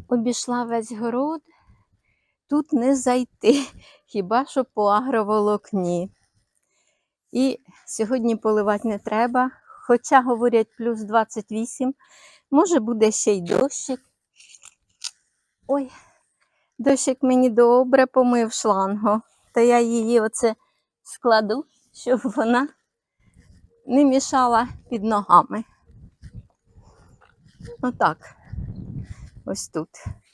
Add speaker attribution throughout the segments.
Speaker 1: Обійшла весь город, тут не зайти, хіба що по агроволокні. І сьогодні поливати не треба, хоча, говорять, плюс 28, може буде ще й дощик. Ой, дощик мені добре помив шлангу, то я її оце складу, щоб вона не мішала під ногами. Отак, ось тут.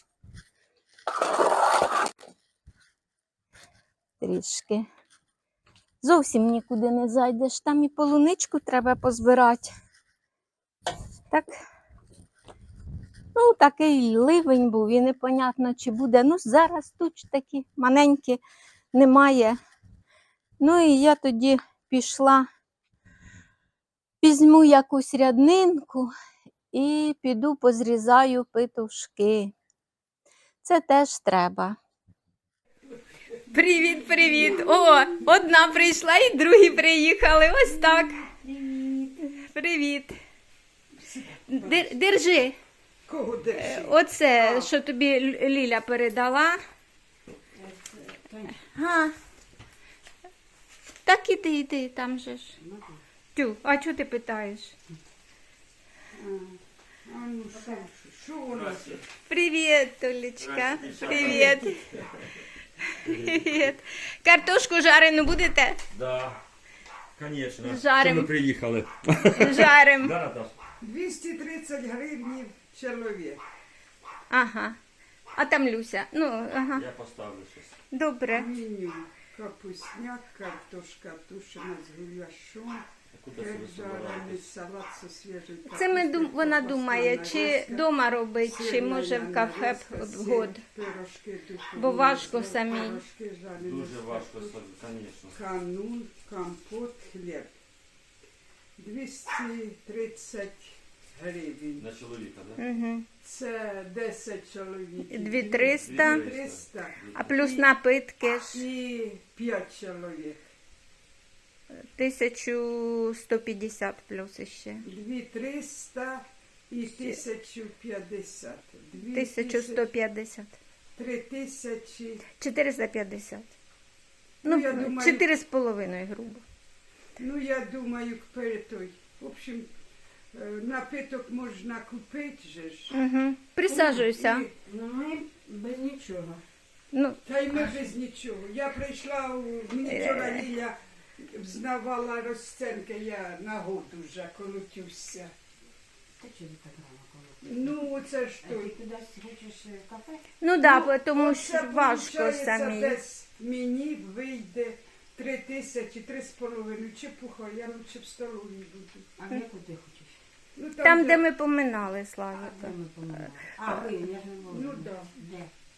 Speaker 1: Трішки. Зовсім нікуди не зайдеш, там і полуничку треба позбирати. Так, ну, такий ливень був, і непонятно, чи буде. Ну, зараз тут такі маленькі немає. Ну, і я тоді пішла, візьму якусь ряднинку і піду позрізаю петушки. Це теж треба. Привіт, привіт! О, одна прийшла і другі приїхали. Ось так. Привіт. Привіт. Держи.
Speaker 2: Кого держи?
Speaker 1: Оце, що тобі Ліля передала. Так іди, там же ж. Тю, а чого ти питаєш?
Speaker 2: Ну, що у нас?
Speaker 1: Привіт, Толечка. Привіт. Привіт. Картошку жарену будете?
Speaker 3: Да, конечно.
Speaker 1: Жарим.
Speaker 3: Що ми приїхали?
Speaker 1: Жарим.
Speaker 3: Да, Наташ?
Speaker 2: 230 гривень чоловік.
Speaker 1: Ага. А там Люся. Ну, ага.
Speaker 3: Я поставлю щось.
Speaker 1: Добре.
Speaker 2: Меню. Капусняк, картошка тушена з гуляшом, жарений салат зі свіжою капустою.
Speaker 1: Це вона думає, чи вдома робить, чи може в кафе год.
Speaker 2: Пирожки духові.
Speaker 1: Бо важко самій.
Speaker 2: Пирожки жарені.
Speaker 3: Дуже важко, звісно.
Speaker 2: Канун, компот, хліб. 230 гривень.
Speaker 3: На чоловіка, да?
Speaker 1: Угу.
Speaker 2: Це 10 чоловіків.
Speaker 1: 2300.
Speaker 2: 300.
Speaker 1: А плюс напитки ж
Speaker 2: І 5 чоловік.
Speaker 1: 1150 плюс іще.
Speaker 2: 2300 і 1050.
Speaker 1: 1150.
Speaker 2: 3000.
Speaker 1: 450.
Speaker 2: Ну,
Speaker 1: Ну,
Speaker 2: я думаю-
Speaker 1: 4,5 грубо.
Speaker 2: Ну, я думаю, той. В общем, напиток можна купити же ж.
Speaker 1: Угу. Присаджуйся.
Speaker 2: І-
Speaker 4: Ну, ми без нічого.
Speaker 1: Ну,
Speaker 2: Та й ми без нічого. Я прийшла, мені вчора Ліля взнавала розценки, я на год уже колотюся.
Speaker 4: Та чого ти так рано коло?
Speaker 2: Ну, це ж
Speaker 4: А ти
Speaker 2: той.
Speaker 4: кудись хочеш в кафе?
Speaker 1: ну да, тому
Speaker 2: Оце,
Speaker 1: що важко
Speaker 2: получається,
Speaker 1: самі.
Speaker 2: Десь мені вийде 3000, 3,5. Чепуха, я лучше в столовій буду.
Speaker 4: А в яку ти хочеш?
Speaker 2: Ну,
Speaker 1: Там, де ми поминали,
Speaker 4: А
Speaker 1: Славіка.
Speaker 4: де ми поминали? А, ви, я ж не можу.
Speaker 2: Ну, да.
Speaker 4: Де?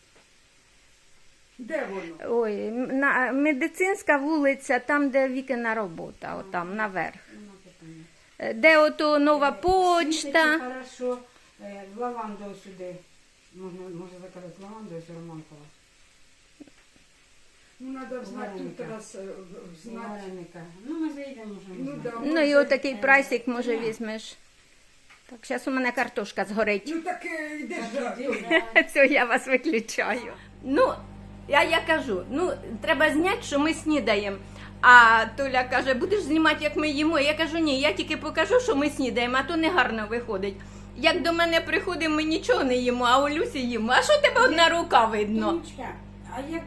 Speaker 2: Де воно?
Speaker 1: Ой, медицинська вулиця, там, де Вікина робота, отам, наверх.
Speaker 4: Нема питання.
Speaker 1: Де ото нова
Speaker 4: Світиться
Speaker 1: почта.
Speaker 4: хорошо. В лаванду сюди. Може заказати лаванду з Романкова.
Speaker 2: Ну, треба знати тут
Speaker 4: Вареника.
Speaker 2: раз знати.
Speaker 4: Вареника. Ну, ми заїдемо, може,
Speaker 2: Ну,
Speaker 4: не
Speaker 2: да,
Speaker 4: знаю.
Speaker 1: Ну і
Speaker 2: може,
Speaker 1: отакий прайсик, може, візьмеш. Так, зараз у мене картошка згорить.
Speaker 2: Ну, так йди
Speaker 4: Так,
Speaker 2: ж.
Speaker 4: іди, да.
Speaker 1: Все, я вас виключаю. Ну, я кажу, ну, треба зняти, що ми снідаємо. А Толя каже, будеш знімати, як ми їмо. Я кажу, ні, я тільки покажу, що ми снідаємо, а то не гарно виходить. Як до мене приходимо, ми нічого не їмо, а у Люсі їмо. А що тебе одна рука видно?
Speaker 4: Тонечка, а як...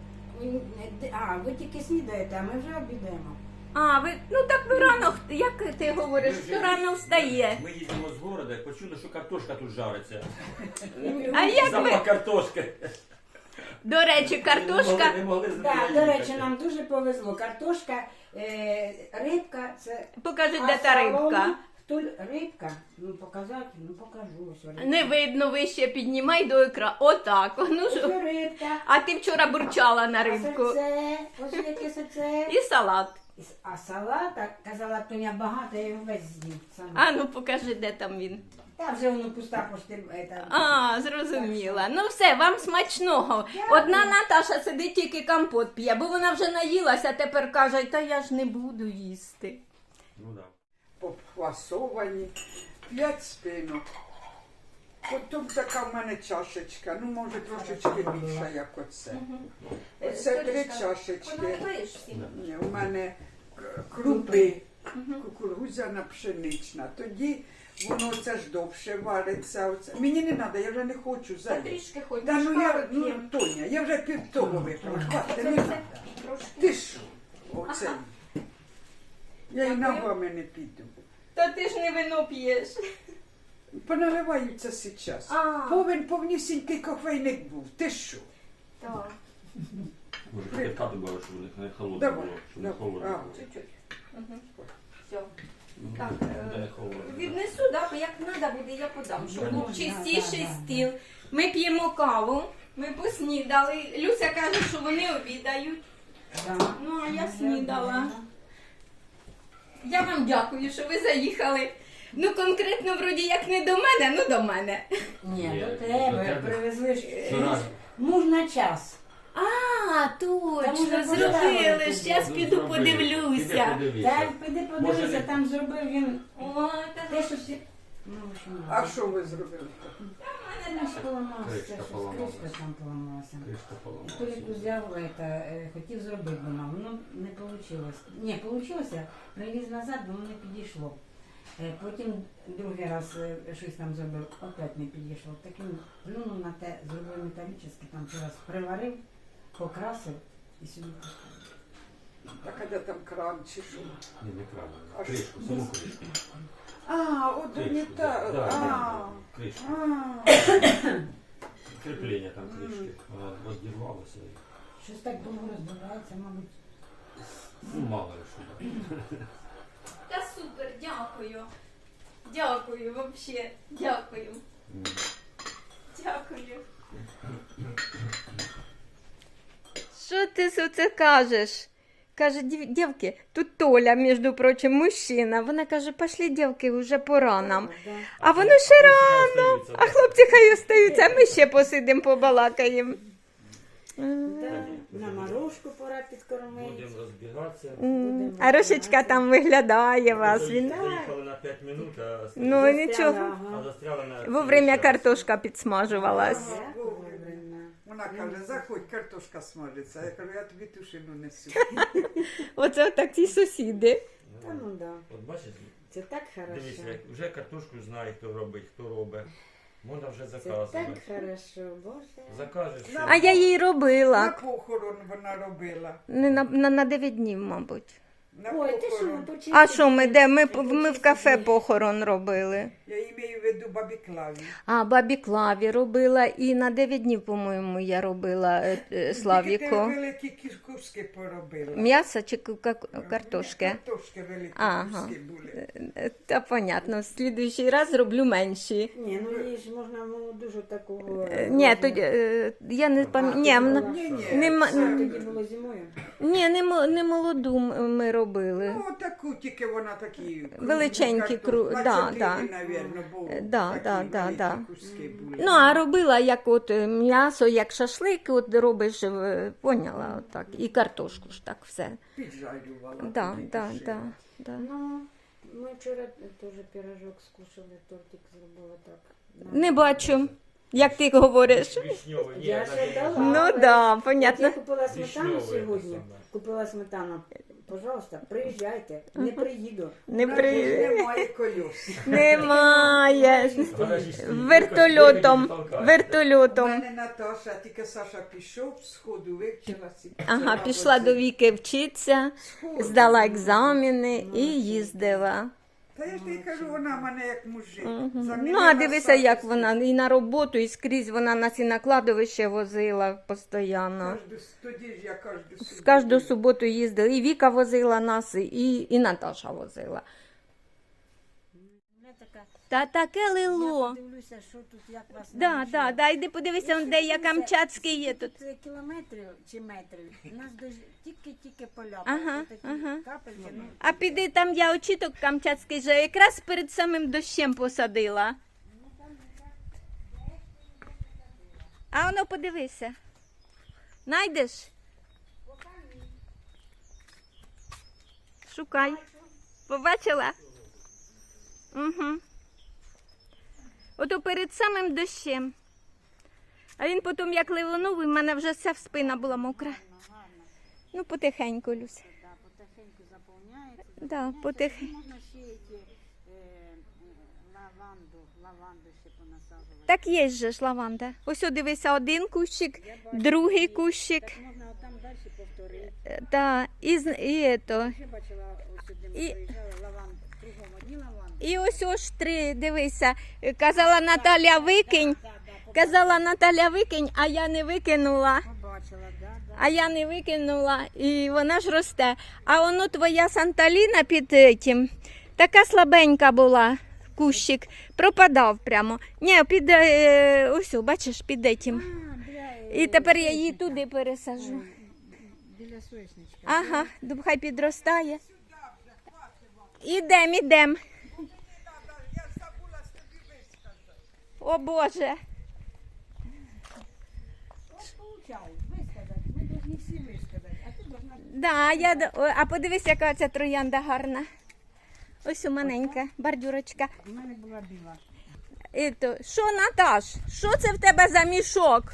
Speaker 4: ви тільки снідаєте, а ми вже обідаємо.
Speaker 1: А, ви, ну так ви рано, як ти говориш, хто рано встає.
Speaker 3: Ми їдемо з города, почули, що картошка тут жариться.
Speaker 1: А як
Speaker 3: Запах
Speaker 1: ви,
Speaker 3: картошки.
Speaker 1: до речі, картошка,
Speaker 3: Не могли
Speaker 4: Так, до речі, нам дуже повезло. Картошка, рибка, це...
Speaker 1: покажи,
Speaker 4: А
Speaker 1: де та рибка.
Speaker 4: солома? Хто рибка? Ну, показати, ну, покажу. Ось рибка.
Speaker 1: Не видно, вище піднімай до екрану. Отак. Ну,
Speaker 4: Ось
Speaker 1: що?
Speaker 4: рибка.
Speaker 1: А ти вчора бурчала на
Speaker 4: А
Speaker 1: рибку.
Speaker 4: серце, ось яке серце.
Speaker 1: І салат.
Speaker 4: А салата, казала Тоня, багато, я його весь з'їв. сама.
Speaker 1: А ну покажи, де там він.
Speaker 4: Та вже воно пуста пошти.
Speaker 1: А, зрозуміла. Ну все, вам смачного. Одна Наташа сидить, тільки компот п'є, бо вона вже наїлася, тепер каже, та я ж не буду їсти.
Speaker 3: Ну, да.
Speaker 2: Обфасовані. 5 спинок. Потім така в мене чашечка, ну може трошечки більша, як оце. Оце 3 чашечки.
Speaker 1: Поналиваєш всім?
Speaker 2: Ні, у мене крупи, кукурудзяна пшенична. Тоді воно це ж довше вариться. Оце. Мені не треба, я вже не хочу
Speaker 1: Та
Speaker 2: зайти.
Speaker 1: трішки хоч
Speaker 2: Та ну я, ну,
Speaker 1: п'ємо.
Speaker 2: Тоня, я вже пів того випила. Хватить, не
Speaker 1: Це
Speaker 2: треба.
Speaker 1: трошки.
Speaker 2: Ти що? Оце. Я і ногами не піду.
Speaker 1: Та ти ж не вино п'єш.
Speaker 2: Поналиваються зараз. Повнісінький кофейник був. Ти що?
Speaker 1: Так,
Speaker 3: Може, кипятка добавиш, щоб не холодно
Speaker 2: Давай,
Speaker 3: було. Щоб не
Speaker 2: давай.
Speaker 3: холодно
Speaker 2: А.
Speaker 3: було.
Speaker 1: чуть-чуть. Все.
Speaker 3: Ну,
Speaker 1: Так,
Speaker 3: де холодно.
Speaker 1: віднесу, да, бо як треба буде, я подам, щоб
Speaker 3: Да,
Speaker 1: був
Speaker 4: да,
Speaker 1: чистіший
Speaker 4: да, да.
Speaker 1: стіл. Ми п'ємо каву, ми поснідали. Люся каже, що вони обідають.
Speaker 4: Да.
Speaker 1: Ну, а я снідала. Я вам дякую, що ви заїхали. Ну, конкретно, вроді, як не до мене, ну до мене.
Speaker 4: Ні,
Speaker 3: Ні,
Speaker 4: до
Speaker 3: до
Speaker 4: тебе
Speaker 3: тебе.
Speaker 4: привезли ж
Speaker 3: Щораз.
Speaker 4: муж на час.
Speaker 1: А, точно,
Speaker 4: вже
Speaker 1: зробили.
Speaker 4: поставили
Speaker 1: Щас
Speaker 3: Ну,
Speaker 1: піду
Speaker 3: зробили.
Speaker 1: подивлюся.
Speaker 3: Піди подивися.
Speaker 4: Так, піди подивися,
Speaker 3: Може,
Speaker 4: там зробив він
Speaker 1: О, та
Speaker 4: те, що ти. Ну, в общем,
Speaker 2: А що ви зробили?
Speaker 4: мене ж поламався,
Speaker 3: Кришка
Speaker 4: щось
Speaker 3: поламалась.
Speaker 4: кришка там поламалася.
Speaker 3: Кришка поламалася.
Speaker 4: Толік взяв, хотів зробити дома, воно не вийшло. Ні, вийшло, привіз назад, воно не підійшло. Потім другий раз щось там зробив, опять не підійшло. Таким плюнув на те, зробив металічне, там ще раз приварив, покрасив і сюди поставив.
Speaker 2: Так, а де там кран чи що?
Speaker 3: Ні, не правильно.
Speaker 2: А
Speaker 3: Кришку, саму кришку.
Speaker 2: А, от не
Speaker 3: Кришку,
Speaker 2: та.
Speaker 3: да,
Speaker 2: А,
Speaker 3: кришку.
Speaker 2: а.
Speaker 3: Кріплення там кришки. Вона розірвалася.
Speaker 4: Щось так довго розбирається, мабуть.
Speaker 3: Ну, мало ли що.
Speaker 1: Та супер, дякую. Дякую, вообще. Дякую. Дякую. Що ти це кажеш? Каже, дівки, тут Толя, між прочим, мужчина. Вона каже, пошли, дівки, вже пора нам. А воно ще рано. А хлопці хай остаються, а ми ще посидимо, побалакаємо.
Speaker 4: На морожку пора підкормити.
Speaker 3: Будемо розбігатися.
Speaker 1: А Рошечка там виглядає вас. Він...
Speaker 3: Заїхали на 5 минут, а
Speaker 1: Ну нічого.
Speaker 3: застряли на...
Speaker 1: Вовремя картошка підсмажувалась.
Speaker 2: Вона каже, заходь, картошка смажиться. Я кажу, я тобі тушину несу.
Speaker 1: Оце такі сусіди.
Speaker 4: Та ну да.
Speaker 3: От бачиш,
Speaker 4: Це так
Speaker 3: дивіться,
Speaker 4: хорошо.
Speaker 3: як вже картошку знає, хто робить, хто робить. Можна вже
Speaker 4: Це так
Speaker 3: заказувати.
Speaker 4: хорошо, Боже.
Speaker 3: Закажеш. що-
Speaker 1: А я їй
Speaker 2: На
Speaker 1: робила.
Speaker 2: похорон вона робила.
Speaker 1: Не на 9 днів, мабуть.
Speaker 2: На
Speaker 4: Ой, ти що,
Speaker 2: похорон.
Speaker 4: ви почистите?
Speaker 1: А що ми де? Ми в кафе похорон робили.
Speaker 2: Я маю в виду бабі Клаві.
Speaker 1: А, бабі Клаві робила і на 9 днів, по-моєму, я робила
Speaker 2: Тільки ти
Speaker 1: Славіку.
Speaker 2: великі куски поробила.
Speaker 1: М'ясо чи картошки?
Speaker 2: Картошки великі
Speaker 1: Ага.
Speaker 2: куски були.
Speaker 1: Та понятно, в слідуючий раз зроблю менші.
Speaker 4: Ні, ну їй ж можна дуже такого...
Speaker 1: Ні, тоді я не пам'ятаю.
Speaker 2: Ні-ні,
Speaker 1: Нема-
Speaker 2: це-
Speaker 4: Тоді було зимою.
Speaker 1: Ні, не молоду ми робили.
Speaker 2: Ну, таку, тільки вона такі...
Speaker 1: Величенькі, да, да.
Speaker 2: Навірно, бо
Speaker 1: Да,
Speaker 2: такі
Speaker 1: да, да,
Speaker 2: великі
Speaker 1: да.
Speaker 2: куски були.
Speaker 1: Ну, а робила як от м'ясо, як шашлик, от робиш, поняла, отак. І картошку ж так все.
Speaker 2: Піджарювала.
Speaker 1: Да,
Speaker 2: туди
Speaker 1: да,
Speaker 2: душила.
Speaker 1: да.
Speaker 4: Ну, ми вчора теж пирожок скушали, тортик зробили так.
Speaker 1: Не бачу, як ти говориш.
Speaker 3: Вишньовий, ні,
Speaker 4: Я ще дала.
Speaker 1: Ну да,
Speaker 4: От
Speaker 1: понятно.
Speaker 4: я купила сметану
Speaker 3: Вишньовий
Speaker 4: сьогодні.
Speaker 3: те саме.
Speaker 4: Купила сметану. Пожалуйста, приїжджайте. Не приїду.
Speaker 1: Не
Speaker 2: Вона ж
Speaker 1: при...
Speaker 2: немає колес.
Speaker 1: Немає.
Speaker 3: Гаражі стоїть.
Speaker 1: Вертольотом.
Speaker 2: У
Speaker 1: Вертольотом.
Speaker 2: мене Наташа, тільки Саша пішов, сходу вивчилася.
Speaker 1: Ага, пішла до Віки вчитися, здала екзамени і їздила.
Speaker 2: Та я ж тобі кажу, вона в мене як мужик.
Speaker 1: Ну,
Speaker 2: Замінила
Speaker 1: а дивися,
Speaker 2: Сашу
Speaker 1: як вона і на роботу, і скрізь вона нас і на кладовище возила постійно.
Speaker 2: Тоді ж я кожну
Speaker 1: В кожну суботу їздила. І Віка возила нас, і Наташа возила. Та таке лило.
Speaker 4: Дивлюся, що тут, як вас
Speaker 1: Да, іди подивися, де я Камчатський є тут.
Speaker 4: Тут кілометрів чи метрів. У нас тільки поля.
Speaker 1: Ага,
Speaker 4: такі
Speaker 1: ага.
Speaker 4: капельки. Ну,
Speaker 1: А піди там я очіток Камчатський же якраз перед самим дощем посадила. А воно подивися. Найдеш? Шукай. Побачила? Угу. Ото перед самим дощем. А він потім як ливонув, і в мене вже вся спина була мокра. Ну, потихеньку, Люся.
Speaker 4: Да, потихеньку заповняється.
Speaker 1: Да, потихеньку.
Speaker 4: Можна ще лаванду ще понасаджувати.
Speaker 1: Так є же ж лаванда. Ось о, дивися, один кущик, другий кущик.
Speaker 4: Так можна отам далі повторити.
Speaker 1: Да, і то.
Speaker 4: Ще бачила, ось сюди ми
Speaker 1: І-
Speaker 4: приїжджали, лаванду, кругом одні лаванди.
Speaker 1: І ось ось три, дивися. Казала Наталя, викинь. Казала Наталя, викинь, а я не викинула.
Speaker 4: Побачила, да.
Speaker 1: А я не викинула, і вона ж росте. А воно твоя Санталіна під тим, така слабенька була, кущик, пропадав прямо. Ні, під, ось, бачиш, під этим. І тепер я її туди пересажу.
Speaker 4: Біля соєшничка.
Speaker 1: Ага, хай підростає. Ідем.
Speaker 2: Я забула з тобі висказати.
Speaker 1: О Боже.
Speaker 4: Получай, висказати. Ми повинні всі висказати. А ти должна...
Speaker 1: Да, а подивись, яка ця троянда гарна. Ось у маленька бордюрочка.
Speaker 4: У мене була біла.
Speaker 1: Що, Наташ, що це в тебе за мішок?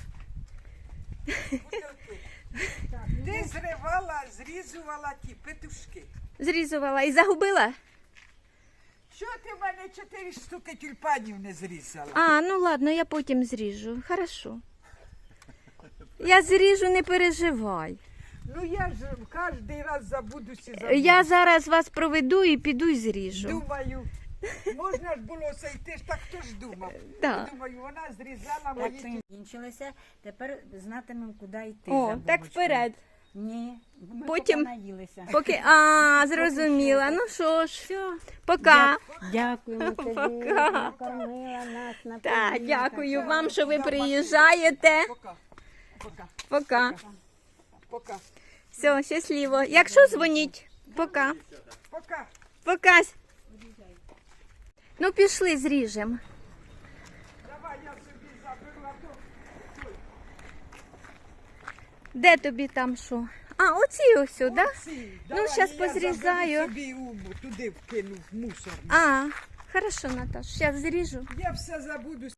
Speaker 2: Ти зривала, зрізувала ті петушки.
Speaker 1: Зрізувала і загубила?
Speaker 2: Що ти в мене 4 штуки тюльпанів не зрізала?
Speaker 1: А, ну ладно, я потім зріжу. Хорошо. Я зріжу, не переживай.
Speaker 2: Ну я ж кожен раз забудуся.
Speaker 1: Я зараз вас проведу і піду і зріжу.
Speaker 2: Думаю, можна ж було це йти, ж так хто ж думав.
Speaker 1: Да.
Speaker 2: Думаю, вона зрізала мої
Speaker 4: Так,
Speaker 2: тюльпани.
Speaker 4: закінчилося, тепер знатимемо, куди йти.
Speaker 1: О,
Speaker 4: за
Speaker 1: так
Speaker 4: булочкою.
Speaker 1: вперед.
Speaker 4: Ні, ми
Speaker 1: Потім-
Speaker 4: поки наїлися.
Speaker 1: Поки, зрозуміла. Ну що ж, пока.
Speaker 4: Дякуємо тобі,
Speaker 1: Пока.
Speaker 4: накормила нас, напоїла.
Speaker 1: Так, дякую вам, що ви приїжджаєте.
Speaker 2: Пока. Пока.
Speaker 1: Пока.
Speaker 2: Пока.
Speaker 1: Все, щасливо. Якщо дзвоніть, пока.
Speaker 2: Пока.
Speaker 1: Пока. Ну, пішли, зріжемо.
Speaker 2: Давай я собі заберу, а то
Speaker 1: Де тобі там що? А, оці ось, так? Да?
Speaker 2: ці.
Speaker 1: Ну,
Speaker 2: Давай,
Speaker 1: щас
Speaker 2: я
Speaker 1: позрізаю.
Speaker 2: заберу собі туди вкину в мусор.
Speaker 1: А, хорошо, Наташ, зараз зріжу.
Speaker 2: Я все забуду.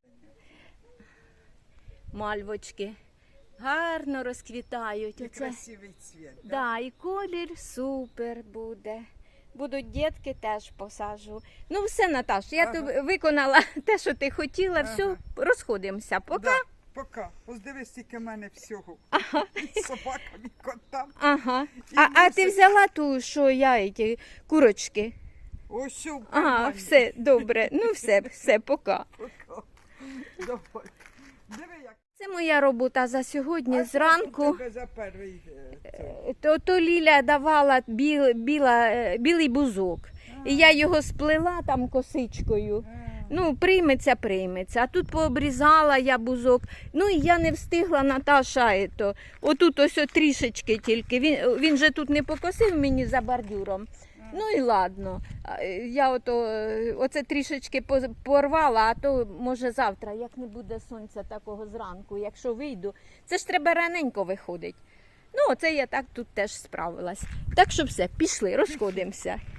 Speaker 1: Мальвочки гарно розквітають.
Speaker 2: І
Speaker 1: Оце.
Speaker 2: красивий цвіт. Да?
Speaker 1: Да, і колір супер буде. Будуть дітки, теж посаджу. Ну все, Наташ, я
Speaker 2: Ага.
Speaker 1: тобі виконала те, що ти хотіла. Все,
Speaker 2: Ага.
Speaker 1: розходимося. Пока.
Speaker 2: Да, пока. Ось дивись, тільки в мене всього. І собакам, і котам.
Speaker 1: Ага.
Speaker 2: І
Speaker 1: А ти
Speaker 2: мусор.
Speaker 1: взяла ту, що я, ті курочки?
Speaker 2: Ось що в
Speaker 1: Ага,
Speaker 2: кармані.
Speaker 1: все, добре. Ну все, пока.
Speaker 2: Пока. Давай. Диви, як.
Speaker 1: Це моя робота за сьогодні
Speaker 2: А що
Speaker 1: зранку.
Speaker 2: у тебе за перший цей?
Speaker 1: То Ліля давала білий бузок. І я його сплела там косичкою. Ну, прийметься. А тут пообрізала я бузок. Ну, і я не встигла, Наташа, отут ось трішечки тільки. Він же тут не покосив мені за бордюром. Ну і ладно. Я оце трішечки порвала, а то може завтра, як не буде сонця такого зранку, якщо вийду. Це ж треба раненько виходить. Ну, оце я так тут теж справилась. Так що все, пішли, розходимося.